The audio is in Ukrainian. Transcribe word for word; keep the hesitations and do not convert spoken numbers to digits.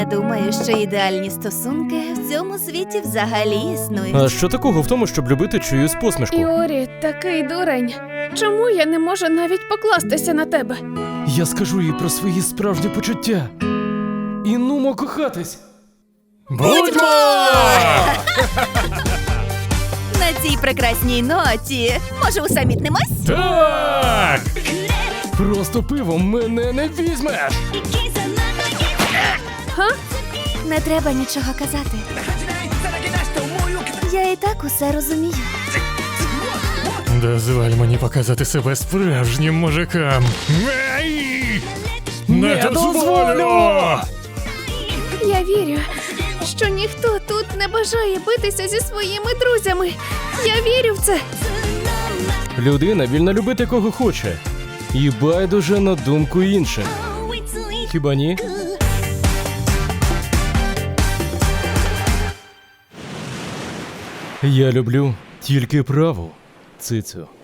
думаю, що ідеальні стосунки в цьому світі взагалі існують. А що такого в тому, щоб любити чиюсь посмішку? Юрі, такий дурень. Чому я не можу навіть покластися на тебе? Я скажу їй про свої справжні почуття. І нумо кохатись. Будьмо! На цій прекрасній ноті, може, усамітнимось? Так! Просто пивом мене не візьмеш. Га? Не треба нічого казати. Я і так усе розумію. Дозволь мені показати себе справжнім мужикам. Ей! Не дозволю! Я вірю, що ніхто тут не бажає битися зі своїми друзями. Я вірю в це. Людина вільна любити кого хоче. І байдуже на думку інших. Хіба ні? Я люблю тільки праву цицю.